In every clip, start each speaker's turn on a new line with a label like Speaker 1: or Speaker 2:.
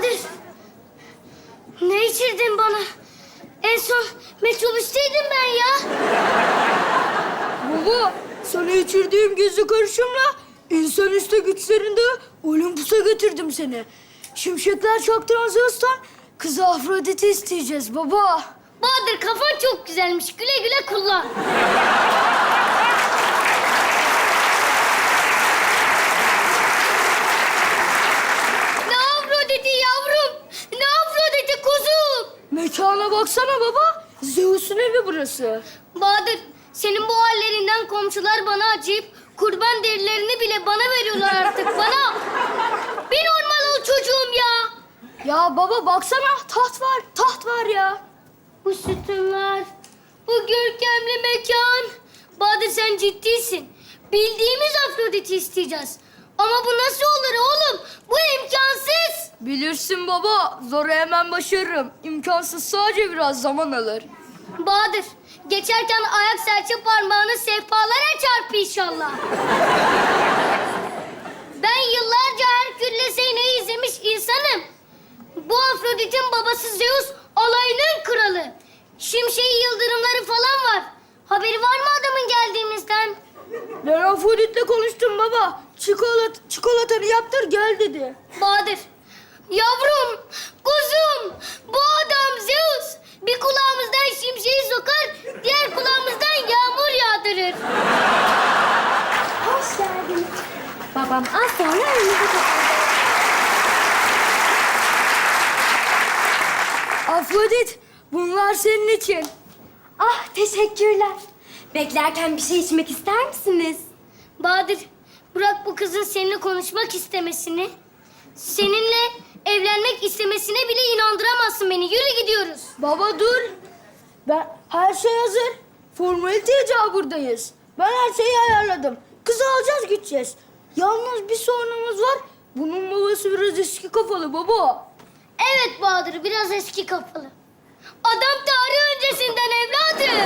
Speaker 1: Bahadır. Ne içirdin bana? En son metrobüsteydim ben ya.
Speaker 2: Baba, sana içirdiğim gizli karışımla insanüstü güçlerinde Olympus'a götürdüm seni. Şimşekler çaktıran Zeus'tan kızı Afrodit'i isteyeceğiz baba.
Speaker 1: Bahadır kafan çok güzelmiş. Güle güle kullan. Ne Afrodit'i yavrum? Ne Afrodit'i kuzum?
Speaker 2: Mekana baksana baba. Zeus'un evi burası.
Speaker 1: Bahadır, senin bu hallerinden komşular bana acıyıp kurban derilerini bile bana veriyorlar artık, bana. Bir normal ol çocuğum ya.
Speaker 2: Ya baba baksana, taht var ya.
Speaker 1: Bu sütunlar, bu görkemli mekan. Bahadır sen ciddisin. Bildiğimiz Afrodit'i isteyeceğiz. Ama bu nasıl olur oğlum? Bu imkansız.
Speaker 2: Bilirsin baba, zoru hemen başarırım. İmkansız sadece biraz zaman alır.
Speaker 1: Bahadır, geçerken ayak serçe parmağını sehpalara çarp inşallah. Ben yıllarca Herkül'le Zeynep'i izlemiş insanım. Bu Afrodit'in babası Zeus, alayının kralı. Şimşeği yıldırımları falan var. Haberi var mı adamın geldiğimizden?
Speaker 2: Ben Afrodit'le konuştum baba. Çikolatanı yaptır gel dedi.
Speaker 1: Bahadır, yavrum, kuzum, bu adam Zeus. Bir kulağımızdan şimşeği sokar, diğer kulağımızdan yağmur yağdırır.
Speaker 3: Hoş geldin. Babam az sonra önünüze kapatacak.
Speaker 2: Afrodit, bunlar senin için.
Speaker 3: Ah, teşekkürler. Beklerken bir şey içmek ister misiniz?
Speaker 1: Bahadır, bırak bu kızın seninle konuşmak istemesini. Seninle evlenmek istemesine bile inandıramazsın beni. Yürü gidiyoruz.
Speaker 2: Baba dur. Her şey hazır. Formalite icabındayız. Ben her şeyi ayarladım. Kızı alacağız gideceğiz. Yalnız bir sorunumuz var. Bunun babası biraz eski kafalı baba.
Speaker 1: Evet Bahadır, biraz eski kafalı. Adam tarih öncesinden evladım.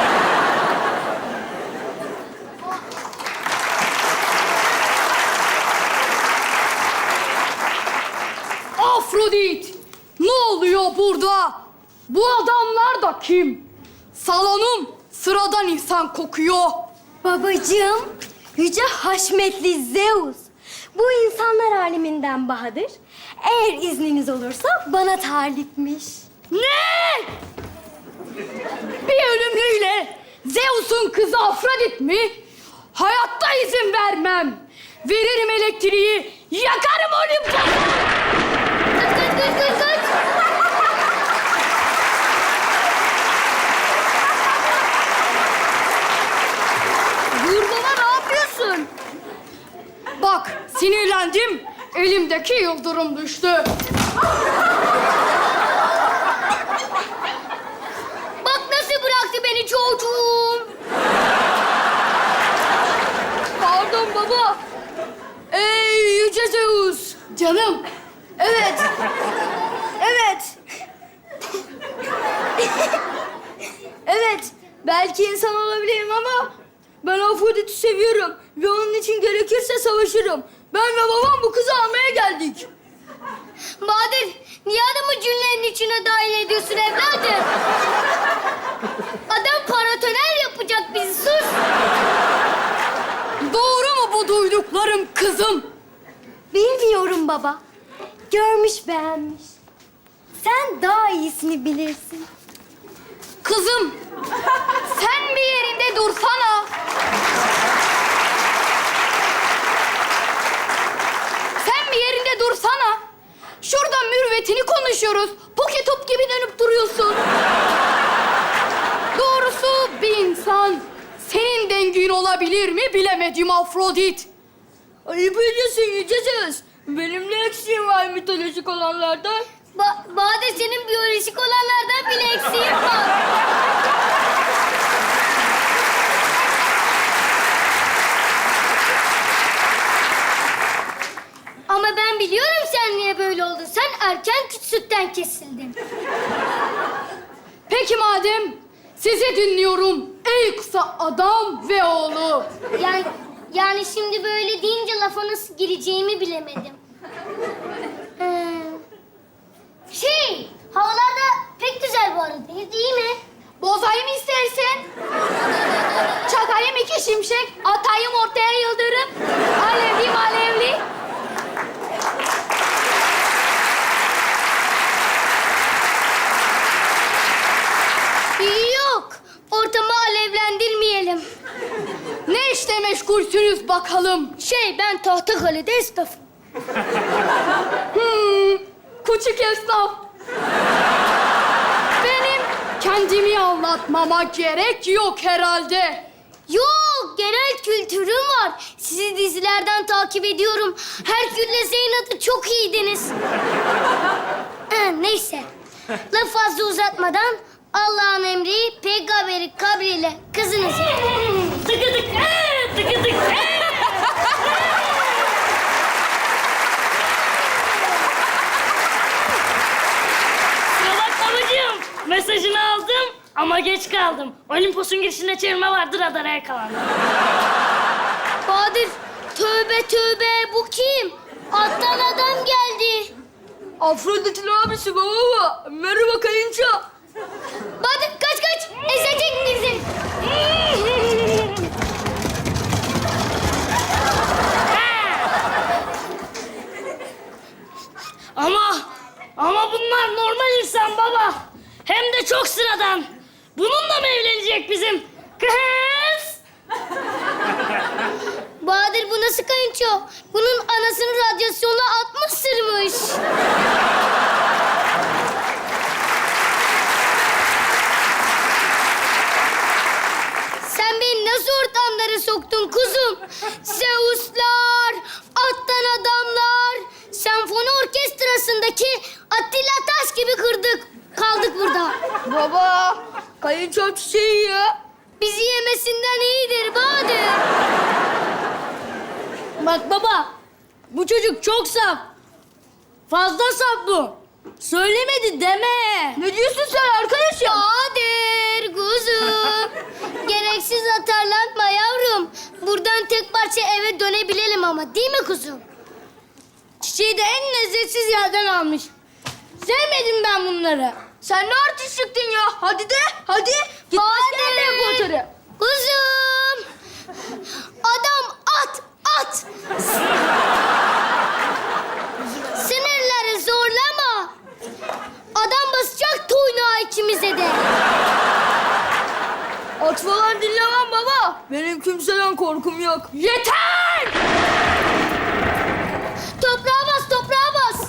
Speaker 4: Afrodit! Ne oluyor burada? Bu adamlar da kim? Salonum sıradan insan kokuyor.
Speaker 3: Babacığım, yüce haşmetli Zeus. Bu insanlar aleminden Bahadır. Eğer izniniz olursa bana talipmiş.
Speaker 4: Ne? Bir ölümlüyle Zeus'un kızı Afrodit mi? Hayatta izin vermem. Veririm elektriği, yakarım Olympus'u.
Speaker 1: Kaç.
Speaker 2: Dur baba ne yapıyorsun?
Speaker 4: Bak, sinirlendim. Elimdeki yıldırım düştü.
Speaker 1: Bak nasıl bıraktı beni çocuğum.
Speaker 2: Pardon baba. Ey yüce Zeus.
Speaker 4: Canım,
Speaker 2: Evet. Evet. Belki insan olabilirim ama ben Afrodit'i seviyorum ve onun için gerekirse savaşırım. Ben ve babam bu kızı almaya geldik.
Speaker 1: Bahadır, niye adamı cümlenin içine dahil ediyorsun evladım? Adam paratoner yapacak bizi, sus.
Speaker 4: doğru mu bu duyduklarım kızım?
Speaker 3: Bilmiyorum baba. Görmüş beğenmiş. Sen daha iyisini bilirsin.
Speaker 4: Kızım, sen bir yerinde dursana. Sen bir yerinde dursana. Şurada mürvetini konuşuyoruz. Poke top gibi dönüp duruyorsun. Doğrusu bir insan senin dengin olabilir mi bilemedim Afrodit.
Speaker 2: Ayıp ediyorsun yüce Zeus. Benim ne eksiğim var mitolojik olanlardan?
Speaker 1: Bahadır senin biyolojik olanlardan bile eksiğin var. Ama ben biliyorum sen niye böyle oldun. Sen erken sütten kesildin.
Speaker 4: Peki madem sizi dinliyorum ey kısa adam ve oğlu.
Speaker 1: Yani şimdi böyle deyince lafa nasıl gireceğimi bilemedim. Temiz iyi mi?
Speaker 4: Bozayım istersen. Çakayım 2 şimşek, atayım ortaya yıldırım. Alevli alevli.
Speaker 1: Yok. Ortamı alevlendirmeyelim.
Speaker 4: Ne işte meşgulsünüz bakalım?
Speaker 1: Ben Tahtakale'de esnafım.
Speaker 4: Küçük esnaf. Benim kendimi anlatmama gerek yok herhalde.
Speaker 1: Yok, genel kültürüm var. Sizi dizilerden takip ediyorum. Herkül'le Zeynep'ı çok iyiydiniz. Neyse. Laf fazla uzatmadan Allah'ın emri, peygamberi kabriyle kızınızı... Tıkıdık, tıkıdık.
Speaker 5: Kusura bakma babacığım. Mesajını aldım ama geç kaldım. Olimpos'un girişinde çevirme vardı, radara yakalandım.
Speaker 1: Bahadır, tövbe tövbe, bu kim? Alttan adam geldi.
Speaker 2: Afrodit'in abisi baba. Merhaba kayınço.
Speaker 1: Bahadır kaç kaç, ezecek bizi.
Speaker 5: Ama bunlar normal insan baba. Hem de çok sıradan. Bununla mı evlenecek bizim kız?
Speaker 1: Bahadır bu nasıl kayınço? Bunun anasını radyasyonla atmışsırmış. Sen beni nasıl ortamlara soktun kuzum? Zeuslar, attan adamlar, senfoni orkestrasındaki Attila Taş gibi kaldık burada.
Speaker 2: Baba, kayınço çiçeği ya.
Speaker 1: Bizi yemesinden iyidir Bahadır.
Speaker 5: Bak baba, bu çocuk çok saf. Fazla saf bu. Söylemedi deme.
Speaker 2: Ne diyorsun sen arkadaşım?
Speaker 1: Bahadır kuzum. Gereksiz atarlanma yavrum. Buradan tek parça eve dönebilelim ama değil mi kuzum?
Speaker 5: Çiçeği de en lezzetsiz yerden almış. Sevmedim ben bunları.
Speaker 2: Sen ne artist çıktın ya? Hadi de, hadi. Git başka yerde yap ortarı.
Speaker 1: Kuzum. Adam at. Sınırları zorlama. Adam basacak toynağı ikimize de.
Speaker 2: At falan dinlemem baba. Benim kimseden korkum yok.
Speaker 4: Yeter!
Speaker 1: Toprağa bas, toprağa bas.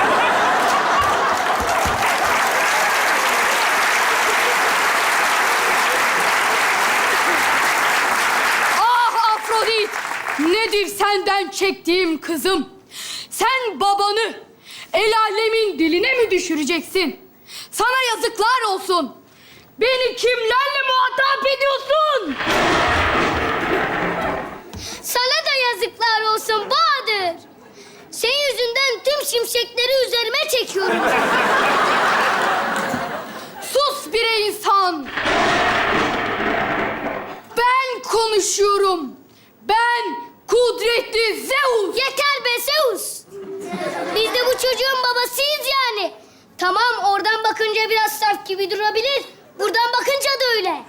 Speaker 4: Ah Afrodit! Nedir senden çektiğim kızım? Sen babanı el alemin diline mi düşüreceksin? Sana yazıklar olsun. Beni kimlerle muhatap ediyorsun?
Speaker 1: Sana da yazıklar olsun Bahadır. Senin yüzünden tüm şimşekleri üzerime çekiyorum.
Speaker 4: Sus bre insan! Ben konuşuyorum. Ben kudretli Zeus.
Speaker 1: Yeter be Zeus. Biz de bu çocuğun babasıyız yani. Tamam oradan bakınca biraz saf gibi durabilir. Buradan bakınca da öyle.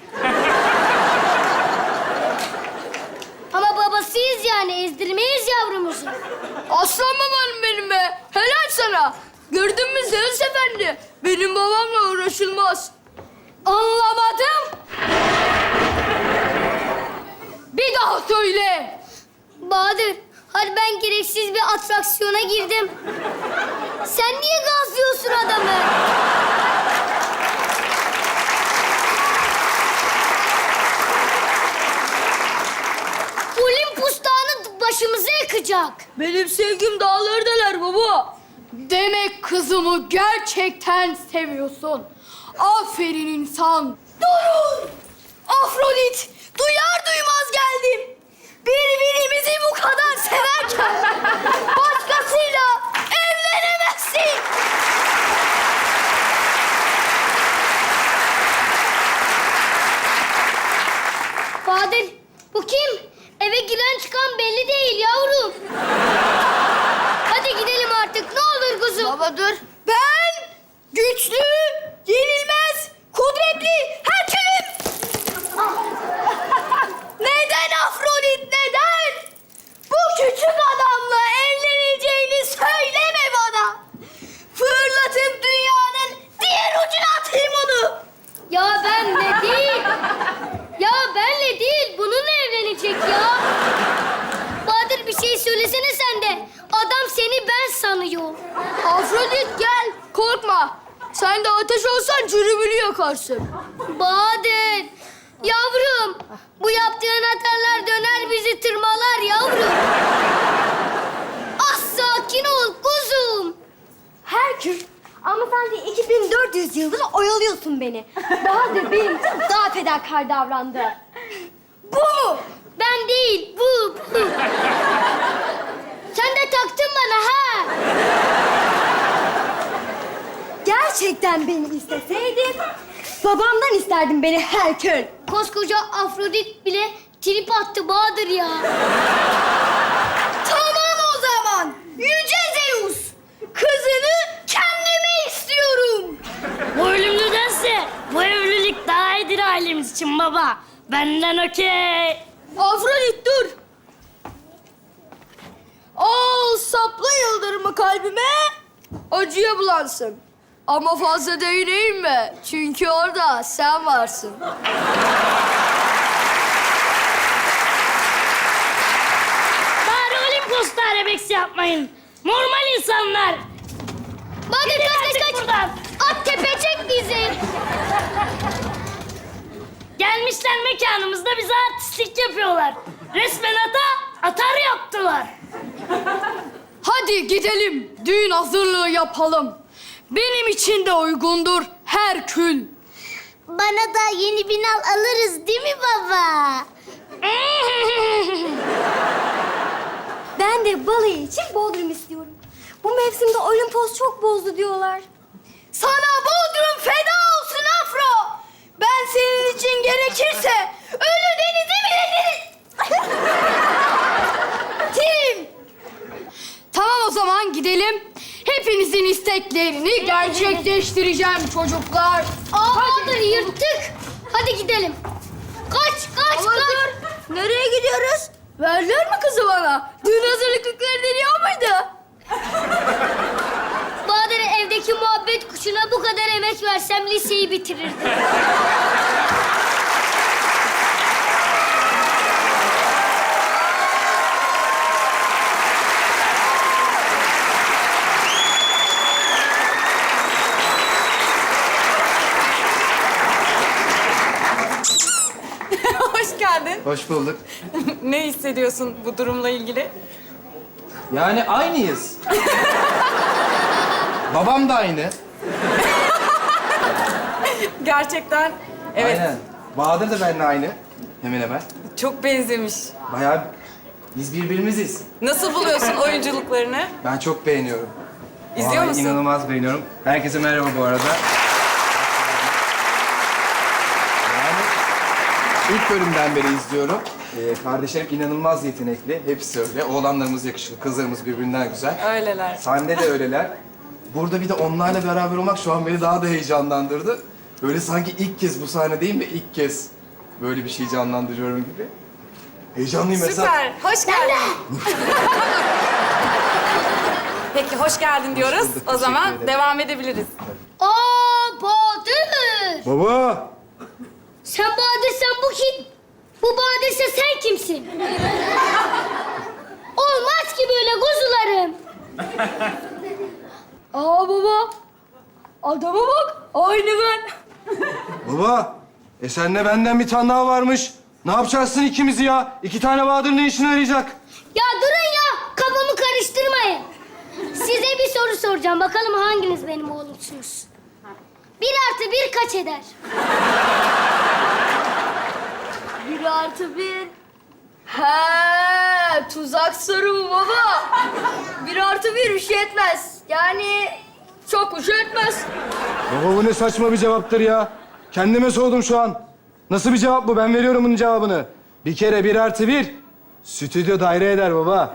Speaker 1: Ama babasıyız yani ezdirmeyiz yavrumuzu.
Speaker 2: Aslan babam benim be. Helal sana. Gördün mü Zeus Efendi? Benim babamla uğraşılmaz.
Speaker 4: Anlamadım. Bir daha söyle.
Speaker 1: Bahadır, hadi ben gereksiz bir atraksiyona girdim. Sen niye gazlıyorsun adamı? Olimpus Dağı'nı başımıza yakacak.
Speaker 2: Benim sevgim dağları deler baba.
Speaker 4: Demek kızımı gerçekten seviyorsun. Aferin insan. Durun! Afrodit, duyar duymaz geldim. Birbirimizi bu kadar severken başkasıyla evlenemezsin.
Speaker 1: Bahadır, bu kim? Eve giren çıkan belli değil yavrum. Hadi gidelim artık, ne olur kuzum.
Speaker 2: Baba dur.
Speaker 4: Ben güçlü, yenilmez, kudretli
Speaker 1: sanıyor.
Speaker 2: Afrodit gel, korkma. Sen de ateş olsan cürümünü yakarsın.
Speaker 1: Bahadır, yavrum. Bu yaptığın hatalar döner bizi tırmalar yavrum. Sakin ol kuzum.
Speaker 3: Herkül, ama sen de 2400 yıldır oyalıyorsun beni. Bahadır benim için daha fedakar davrandı.
Speaker 1: Bu mu? Ben değil, bu. Sen de taktın bana ha.
Speaker 3: Gerçekten beni isteseydin, babamdan isterdin beni Herkül.
Speaker 1: Koskoca Afrodit bile trip attı Bahadır ya.
Speaker 2: Tamam o zaman. Yüce Zeus. Kızını kendime istiyorum.
Speaker 5: Bu ölümlüdense bu evlilik daha iyidir ailemiz için baba. Benden okey.
Speaker 2: Afrodit dur. Al sapla yıldırımı kalbime. Acıya bulansın. Ama fazla değineyim mi? Çünkü orada sen varsın.
Speaker 5: Bari Olimpos'ta arabeksi yapmayın. Normal insanlar.
Speaker 1: Bahadır
Speaker 5: Gidin
Speaker 1: kaç
Speaker 5: artık
Speaker 1: kaç kaç.
Speaker 5: buradan.
Speaker 1: At tepecek bizi.
Speaker 5: Gelmişler mekanımızda bize artistlik yapıyorlar. Resmen atar yaptılar.
Speaker 4: Hadi gidelim, düğün hazırlığı yapalım. Benim için de uygundur Herkül.
Speaker 1: Bana da yeni binal alırız değil mi baba?
Speaker 3: Ben de balayı için Bodrum istiyorum. Bu mevsimde Olimpos çok bozdu diyorlar.
Speaker 2: Sana Bodrum feda olsun Afro. Ben senin için gerekirse ölü denize bile Tim.
Speaker 4: Tamam o zaman gidelim. Hepinizin isteklerini gerçekleştireceğim çocuklar.
Speaker 1: Bahadır yırttık. Hadi gidelim. Kaç
Speaker 2: Ama dur. Nereye gidiyoruz? Verdiler mi kızı bana? Düğün hazırlıkları deniyor muydu?
Speaker 1: Bahadır evdeki muhabbet kuşuna bu kadar emek versem liseyi bitirirdim.
Speaker 6: Hoş geldin.
Speaker 7: Hoş bulduk.
Speaker 6: Ne hissediyorsun bu durumla ilgili?
Speaker 7: Yani aynıyız. Babam da aynı.
Speaker 6: Gerçekten evet,
Speaker 7: Aynen. Bahadır da benimle aynı. Hemen hemen.
Speaker 6: çok benzemiş.
Speaker 7: Bayağı biz birbirimiziz.
Speaker 6: Nasıl buluyorsun oyunculuklarını?
Speaker 7: Ben çok beğeniyorum.
Speaker 6: İzliyor
Speaker 7: Vallahi
Speaker 6: musun?
Speaker 7: İnanılmaz beğeniyorum. Herkese merhaba bu arada. Yani ilk bölümden beri izliyorum. Kardeşlerim inanılmaz yetenekli. Hepsi öyle. Oğlanlarımız yakışıklı, kızlarımız birbirinden güzel.
Speaker 6: Öyleler.
Speaker 7: Sahne de öyleler. Burada bir de onlarla beraber olmak şu an beni daha da heyecanlandırdı. Böyle sanki ilk kez bu sahnedeyim ve ilk kez böyle bir şey canlandırıyorum gibi. Heyecanlıyım Esat.
Speaker 6: Süper, hoş geldin. Peki, hoş geldin diyoruz.
Speaker 7: bulduk,
Speaker 6: O
Speaker 7: teşekkür
Speaker 6: zaman
Speaker 7: ederim.
Speaker 6: devam edebiliriz.
Speaker 1: Bahadır.
Speaker 7: Baba!
Speaker 1: Sen Bahadır'san bu kim? Bu Bahadır'sa sen kimsin? Olmaz ki böyle kuzularım.
Speaker 2: Aa baba. Adama bak. Aynı ben.
Speaker 7: Baba! Senle benden bir tane daha varmış. Ne yapacaksın ikimizi ya? İki tane Bahadır ne işine yarayacak?
Speaker 1: Ya durun ya, kafamı karıştırmayın. Size bir soru soracağım. Bakalım hanginiz benim oğlumsunuz? 1+1 kaç eder?
Speaker 2: 1+1. He, tuzak soru mu baba? 1+1 bir şey etmez. Yani çok bir şey etmez.
Speaker 7: Baba bu ne saçma bir cevaptır ya. Kendime sordum şu an. Nasıl bir cevap bu? Ben veriyorum bunun cevabını. Bir kere 1+1 stüdyo daire eder baba.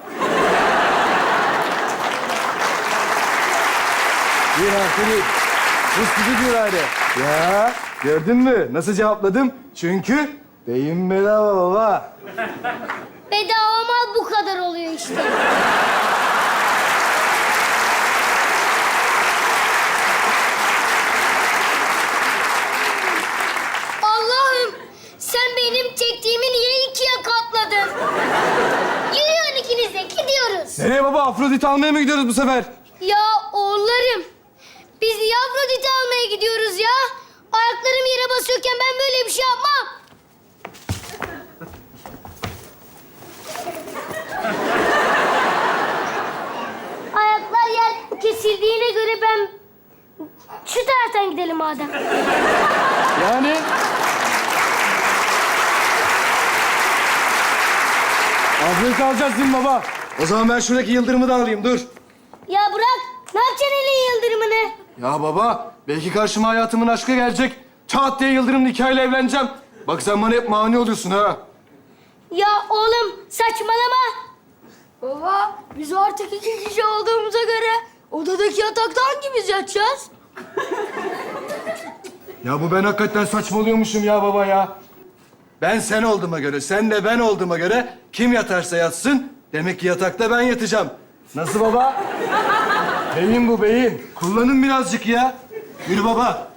Speaker 7: 1+1 bu stüdyo daire. Ya gördün mü? Nasıl cevapladım? Çünkü beyin bedava baba.
Speaker 1: Bedava mal bu kadar oluyor işte. Allah'ım, sen benim çektiğimi niye ikiye katladın? Yürüyün ikiniz de, gidiyoruz. gidiyoruz?
Speaker 8: Nereye baba? Afrodit'i almaya mı gidiyoruz bu sefer?
Speaker 1: Ya oğullarım, biz niye Afrodit'i almaya gidiyoruz ya? Ayaklarım yere basıyorken ben böyle bir şey yapmam. Ayaklar yer kesildiğine göre ben şu taraftan gidelim madem.
Speaker 8: Yani... Afrodit'i alacağız değil mi baba? O zaman ben şuradaki yıldırımı da alayım, dur.
Speaker 1: Ya bırak, ne yapacaksın elin yıldırımını?
Speaker 8: Ya baba, belki karşıma hayatımın aşkı gelecek. Çat diye yıldırım nikahıyla evleneceğim. Bak sen bana hep mani oluyorsun ha.
Speaker 1: Ya oğlum saçmalama.
Speaker 2: Baba, biz artık 2 kişi olduğumuza göre odadaki yatakta hangimiz yatacağız?
Speaker 8: Ya bu ben hakikaten saçmalıyormuşum ya baba ya. Ben sen olduğuma göre, sen de ben olduğuma göre kim yatarsa yatsın, demek ki yatakta ben yatacağım. Nasıl baba? Beyin bu beyin. Kullanın birazcık ya. Yürü baba.